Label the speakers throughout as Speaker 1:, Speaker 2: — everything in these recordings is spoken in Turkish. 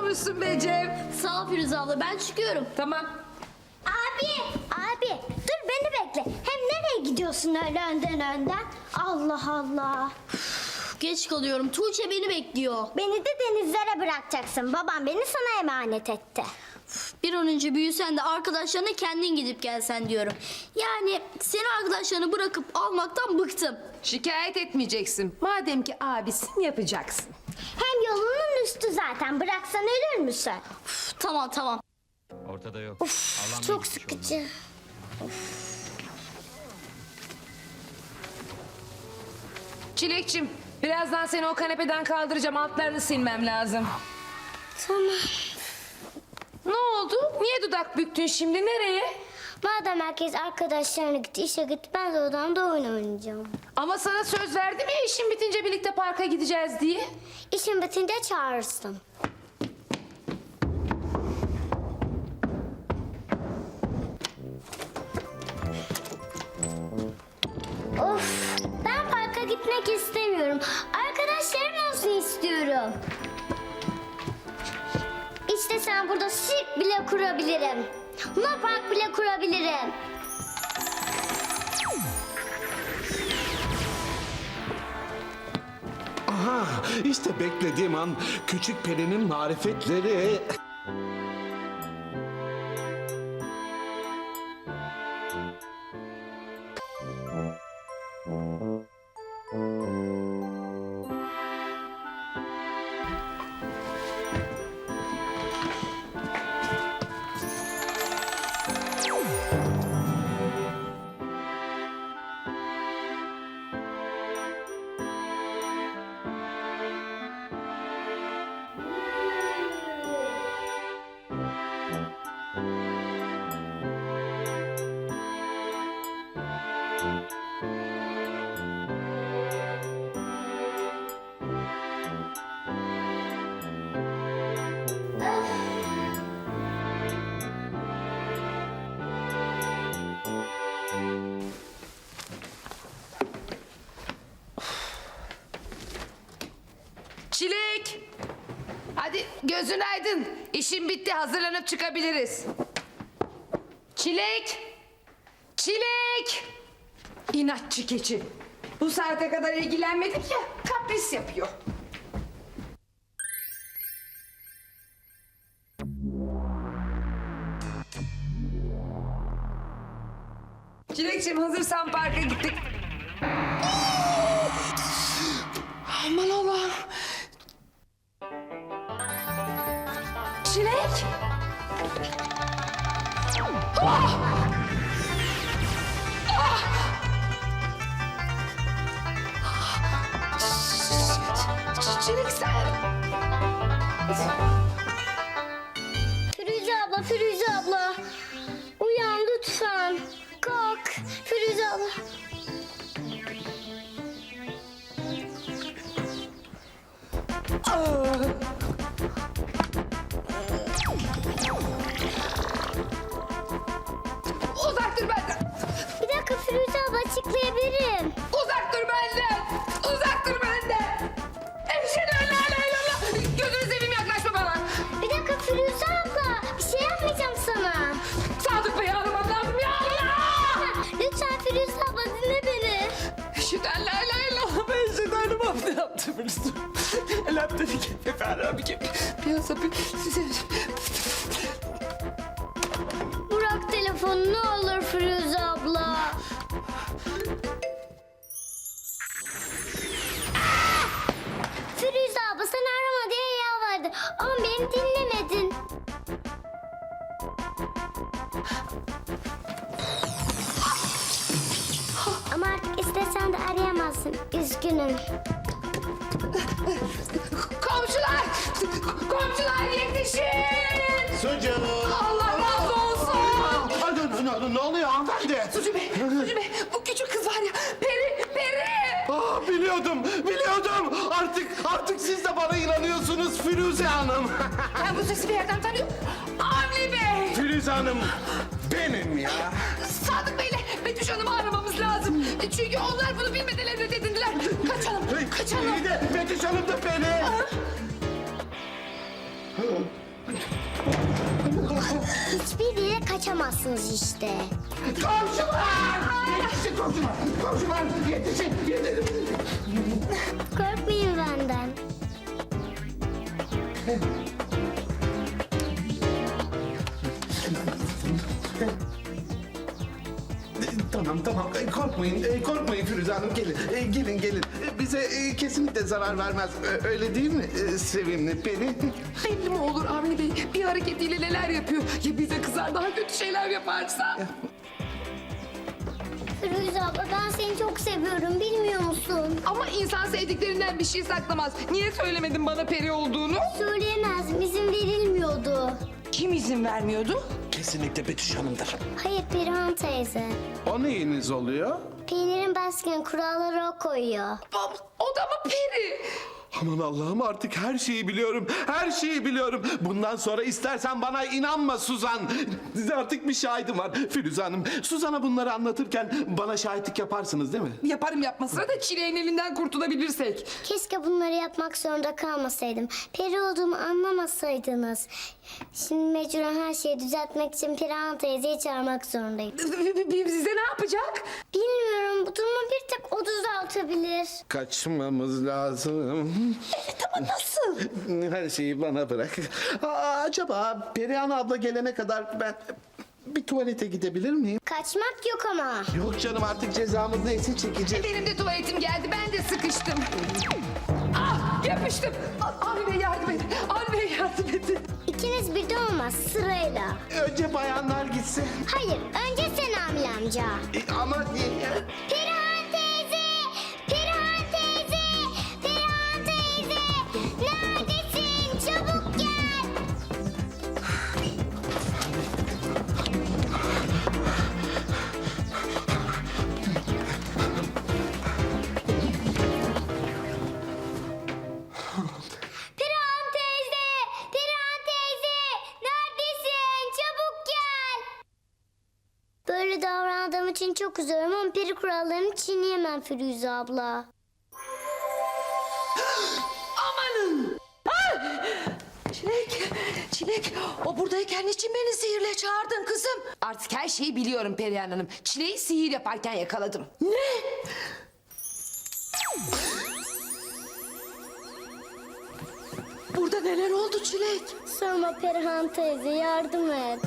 Speaker 1: olmuşsun be Cem.
Speaker 2: Sağ ol Firuze abla, ben çıkıyorum.
Speaker 1: Tamam.
Speaker 3: Abi dur beni bekle. Hem nereye gidiyorsun öyle önden? Allah Allah.
Speaker 2: Geç kalıyorum. Tuğçe beni bekliyor.
Speaker 3: Beni de denizlere bırakacaksın. Babam beni sana emanet etti.
Speaker 2: Bir an önce büyüsen de arkadaşlarına kendin gidip gelsen diyorum. Yani seni arkadaşlarını bırakıp almaktan bıktım.
Speaker 1: Şikayet etmeyeceksin. Madem ki abisin yapacaksın.
Speaker 3: Hem yolunun üstü zaten. Bıraksan ölür müsün?
Speaker 2: Tamam.
Speaker 4: Ortada yok.
Speaker 3: Of, çok sıkıcı.
Speaker 1: Çilekçim, birazdan seni o kanepeden kaldıracağım. Altlarını silmem lazım.
Speaker 3: Tamam.
Speaker 1: Ne oldu? Niye dudak büktün şimdi? Nereye?
Speaker 3: Madem herkes arkadaşlarına gitti, işe gitti, ben de odamda oyun oynayacağım.
Speaker 1: Ama sana söz verdim ya işin bitince birlikte parka gideceğiz diye.
Speaker 3: İşin bitince çağırırsın. Of, ben parka gitmek istemiyorum. Arkadaşlarım olsun istiyorum. İşte sen burada sirk bile kurabilirim. Luna park bile kurabilirim.
Speaker 5: Aha, işte beklediğim an küçük perinin marifetleri.
Speaker 1: Çilek! Hadi gözün aydın. İşin bitti. Hazırlanıp çıkabiliriz. Çilek! Çilek! İnatçı keçi. Bu saate kadar ilgilenmedik ya. Kapris yapıyor. Çilekciğim hazırsan parka gittik. Aman Allah'ım. Çilek. Ah! Ah! Çilek sen.
Speaker 3: Firuze abla. Uyan lütfen. Kalk. Firuze abla.
Speaker 1: Uzak dur benden.
Speaker 3: Bir dakika Firuze abla, açıklayabilirim.
Speaker 1: Uzak dur benden. Uzak dur benden. Eşhedü en la ilahe illallah. Gözünü seveyim, yaklaşma bana.
Speaker 3: Bir dakika Firuze abla. Bir şey yapmayacağım sana.
Speaker 1: Sadık Bey'i aramam lazım ya Allah.
Speaker 3: Lütfen Firuze abla, dinle beni.
Speaker 1: Eşhedü en la ilahe illallah. Ben eşhedü en ne yaptım biliyorsun. Elhamdülillah. Efendim
Speaker 3: Bırak telefonu ne olur Firuze abla. Firuze abla, sen arama diye yalvardı. Ama beni dinlemedin. Ama artık istesen de arayamazsın. Üzgünüm.
Speaker 1: Komşular! Komşular yetişin!
Speaker 5: Sucuk.
Speaker 1: Allah razı olsun!
Speaker 5: Ne oluyor hanımefendi?
Speaker 1: Sucu Bey, bu küçük kız var ya, Peri!
Speaker 5: Ah, biliyordum. Artık siz de bana inanıyorsunuz Firuze Hanım.
Speaker 1: Ben bu sesi bir yerden tanıyorum. Avni Bey!
Speaker 5: Firuze Hanım benim ya.
Speaker 1: Sadık Bey'le Betüş Hanım'ı aramamız lazım. Çünkü onlar bunu bilmeden reddedildiler. Kaçalım!
Speaker 5: İyi de Betüş Hanım da beni.
Speaker 3: hiçbir yere kaçamazsınız işte.
Speaker 5: Komşular! Yetişin komşular! Komşular yetişin! Yetişin!
Speaker 3: Korkmayın benden.
Speaker 5: Tamam. Korkmayın Firuze Hanım. Gelin. Bize kesinlikle zarar vermez. Öyle değil mi sevimli peri?
Speaker 1: Belli mi olur Avni Bey? Bir hareketiyle neler yapıyor? Ya bize kızar daha kötü şeyler yaparsa?
Speaker 3: Firuze abla ben seni çok seviyorum bilmiyor musun?
Speaker 1: Ama insan sevdiklerinden bir şey saklamaz. Niye söylemedin bana peri olduğunu?
Speaker 3: Söyleyemezdim izin verilmiyordu.
Speaker 1: Kim izin vermiyordu?
Speaker 5: Kesinlikle Betüş Hanım'dır.
Speaker 3: Hayır Perihan teyze.
Speaker 5: O neyiniz oluyor?
Speaker 3: Peynirin baskın kuralları o koyuyor.
Speaker 1: O da mı peri?
Speaker 5: Aman Allah'ım artık her şeyi biliyorum. Her şeyi biliyorum. Bundan sonra istersen bana inanma Suzan. Artık bir şahidim var Firuze Hanım. Suzan'a bunları anlatırken bana şahitlik yaparsınız değil mi?
Speaker 1: Yaparım yapmasına da çileğin elinden kurtulabilirsek.
Speaker 3: Keşke bunları yapmak zorunda kalmasaydım. Peri olduğumu anlamasaydınız. Şimdi mecburen her şeyi düzeltmek için Perihan teyzeyi çağırmak zorundayım.
Speaker 1: Bize ne yapacak?
Speaker 3: Bilmiyorum bu durumu bir tek o düzeltebilir.
Speaker 5: Kaçmamız lazım.
Speaker 1: Ama nasıl?
Speaker 5: Her şeyi bana bırak. Acaba Perihan abla gelene kadar ben bir tuvalete gidebilir miyim?
Speaker 3: Kaçmak yok ama.
Speaker 5: Yok canım artık cezamız neyse çekeceğiz.
Speaker 1: Benim de tuvaletim geldi. Ben de sıkıştım. Ah yapıştım. Avni Bey yardım edin. Avni Bey yardım edin.
Speaker 3: İkiniz birden olmaz sırayla.
Speaker 5: Önce bayanlar gitsin.
Speaker 3: Hayır önce sen Amil amca.
Speaker 5: Ama...
Speaker 3: Perihan teyze! Perihan teyze! Perihan teyze! Neredesin? Çabuk gel! Perihan teyze! Perihan teyze! Neredesin? Çabuk gel! Böyle davrandığım için çok üzülüyorum ama peri kurallarını çiğneyemem Firuze abla.
Speaker 1: Amanın. Çilek, o buradayken niçin beni sihirle çağırdın kızım? Artık her şeyi biliyorum Perihan Hanım. Çileği sihir yaparken yakaladım. Ne? Burada neler oldu Çilek?
Speaker 3: Sorma Perihan teyze yardım et.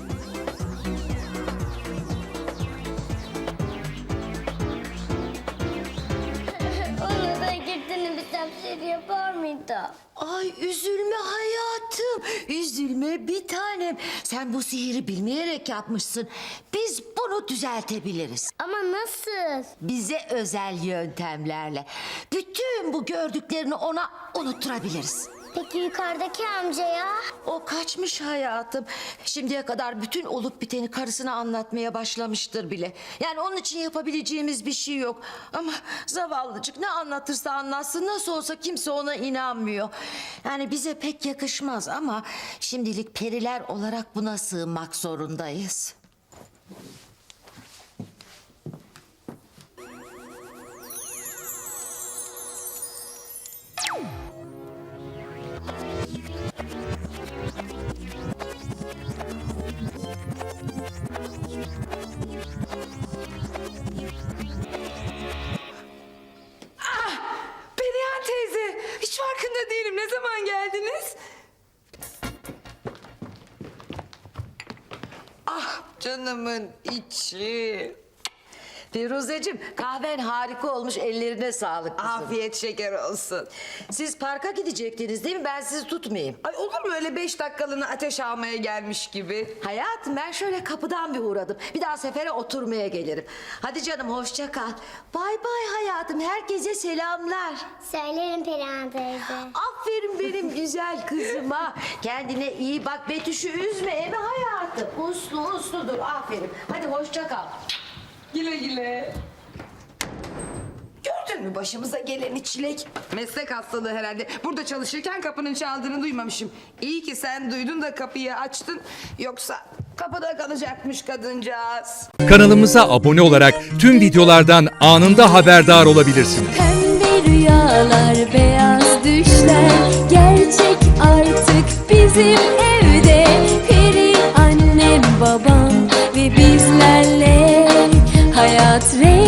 Speaker 3: Onu da girdiğini bilsem sihir yapar mıydı?
Speaker 4: Ay üzülme hayatım, üzülme bir tanem. Sen bu sihiri bilmeyerek yapmışsın. Biz bunu düzeltebiliriz.
Speaker 3: Ama nasıl?
Speaker 4: Bize özel yöntemlerle. Bütün bu gördüklerini ona unutturabiliriz.
Speaker 3: Peki yukarıdaki amcaya?
Speaker 4: O kaçmış hayatım. Şimdiye kadar bütün olup biteni karısına anlatmaya başlamıştır bile. Yani onun için yapabileceğimiz bir şey yok. Ama zavallıcık ne anlatırsa anlatsın nasıl olsa kimse ona inanmıyor. Yani bize pek yakışmaz ama şimdilik periler olarak buna sığınmak zorundayız.
Speaker 1: Perihan teyze, hiç farkında değilim. Ne zaman geldiniz? Ah canımın içi.
Speaker 4: Firuzeciğim kahven harika olmuş, ellerine sağlık kızım.
Speaker 1: Afiyet şeker olsun.
Speaker 4: Siz parka gidecektiniz değil mi? Ben sizi tutmayayım.
Speaker 1: Ay olur mu öyle 5 dakikalığına ateş almaya gelmiş gibi?
Speaker 4: Hayatım ben şöyle kapıdan bir uğradım. Bir daha sefere oturmaya gelirim. Hadi canım hoşça kal. Bay bay hayatım. Herkese selamlar.
Speaker 3: Söylerim Perihan teyze.
Speaker 4: Aferin benim güzel kızıma. Kendine iyi bak. Betüş'ü üzme emi hayatım. Uslu dur. Aferin. Hadi hoşça kal.
Speaker 1: Güle güle. Gördün mü başımıza geleni Çilek? Meslek hastalığı herhalde. Burada çalışırken kapının çaldığını duymamışım. İyi ki sen duydun da kapıyı açtın. Yoksa kapıda kalacakmış kadıncağız.
Speaker 6: Kanalımıza abone olarak tüm videolardan anında haberdar olabilirsiniz.
Speaker 7: Pembe rüyalar, beyaz düşler gerçek artık bizim evde. Peri anne hayat rengi